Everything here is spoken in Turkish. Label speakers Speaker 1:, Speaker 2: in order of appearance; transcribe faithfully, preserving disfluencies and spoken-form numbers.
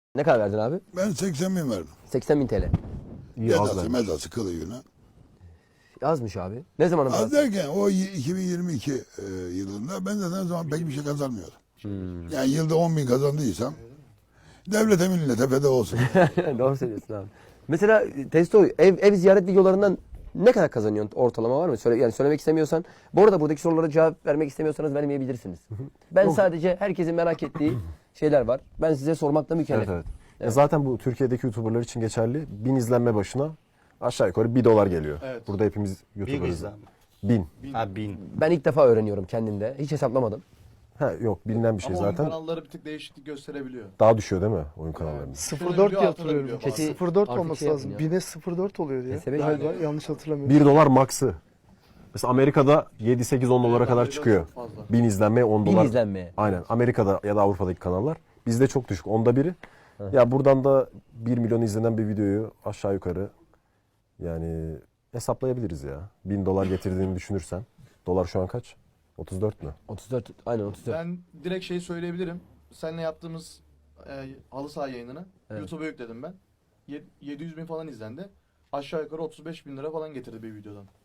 Speaker 1: Ne kadar verdin abi?
Speaker 2: Ben seksen bin verdim.
Speaker 1: seksen bin T L.
Speaker 3: İyi az
Speaker 2: Medası,
Speaker 3: vermiş.
Speaker 2: medası, kılığına.
Speaker 1: Yazmış abi. Ne zaman
Speaker 2: Az
Speaker 1: parası?
Speaker 2: derken o y- iki bin yirmi iki e, yılında ben zaten o zaman pek bir şey kazanmıyordum. Yani yılda on bin kazandıysam devlete millete feda olsun.
Speaker 1: Doğru söylüyorsun abi. Mesela Testo ev, ev ziyaret videolarından ne kadar kazanıyorsun, ortalama var mı? Söyle, yani söylemek istemiyorsan. Bu arada buradaki sorulara cevap vermek istemiyorsanız vermeyebilirsiniz. Ben sadece herkesin merak ettiği şeyler var. Ben size sormakla
Speaker 3: Evet,
Speaker 1: mükellefim.
Speaker 3: evet. Ya zaten bu Türkiye'deki YouTuber'lar için geçerli. Bin izlenme başına aşağı yukarı bir dolar geliyor.
Speaker 4: Evet.
Speaker 3: Burada hepimiz YouTuber'ız.
Speaker 5: izlenme.
Speaker 3: Bin.
Speaker 5: Ha bin.
Speaker 1: Ben ilk defa öğreniyorum kendimde. Hiç hesaplamadım.
Speaker 3: Ha yok, bilinen bir şey
Speaker 4: Ama oyun
Speaker 3: zaten.
Speaker 4: kanalları bir tık değişiklik gösterebiliyor.
Speaker 3: Daha düşüyor değil mi oyun kanallarında?
Speaker 6: sıfır
Speaker 4: Şöyle
Speaker 6: dört
Speaker 4: biliyor,
Speaker 6: diye hatırlıyorum.
Speaker 4: hatırlıyor
Speaker 1: falan.
Speaker 6: sıfır dört
Speaker 1: Artık
Speaker 6: olması
Speaker 1: şey
Speaker 6: lazım.
Speaker 1: yapın ya.
Speaker 6: bine sıfır dört oluyor diye.
Speaker 1: S B
Speaker 6: Galiba
Speaker 4: Yani-
Speaker 6: yanlış hatırlamıyorum.
Speaker 3: bir dolar maksı. Mesela Amerika'da yedi sekiz on dolara
Speaker 4: Evet,
Speaker 3: kadar
Speaker 4: Amerika'da
Speaker 3: çıkıyor.
Speaker 4: çok fazla.
Speaker 3: bin izlenmeye on
Speaker 1: Bin
Speaker 3: dolar.
Speaker 1: izlenmeye.
Speaker 3: Aynen. Amerika'da ya da Avrupa'daki kanallar. Bizde çok düşük. Onda biri. Ya buradan da bir milyon izlenen bir videoyu aşağı yukarı yani hesaplayabiliriz ya. bin dolar getirdiğini düşünürsen. Dolar şu an kaç? otuz dört mü?
Speaker 1: otuz dört, aynen otuz dört.
Speaker 4: Ben direkt şeyi söyleyebilirim. Seninle yaptığımız e, halı saha yayınını
Speaker 1: Evet.
Speaker 4: YouTube'a yükledim ben. Ye- yedi yüz bin falan izlendi. Aşağı yukarı otuz beş bin lira falan getirdi bir videodan.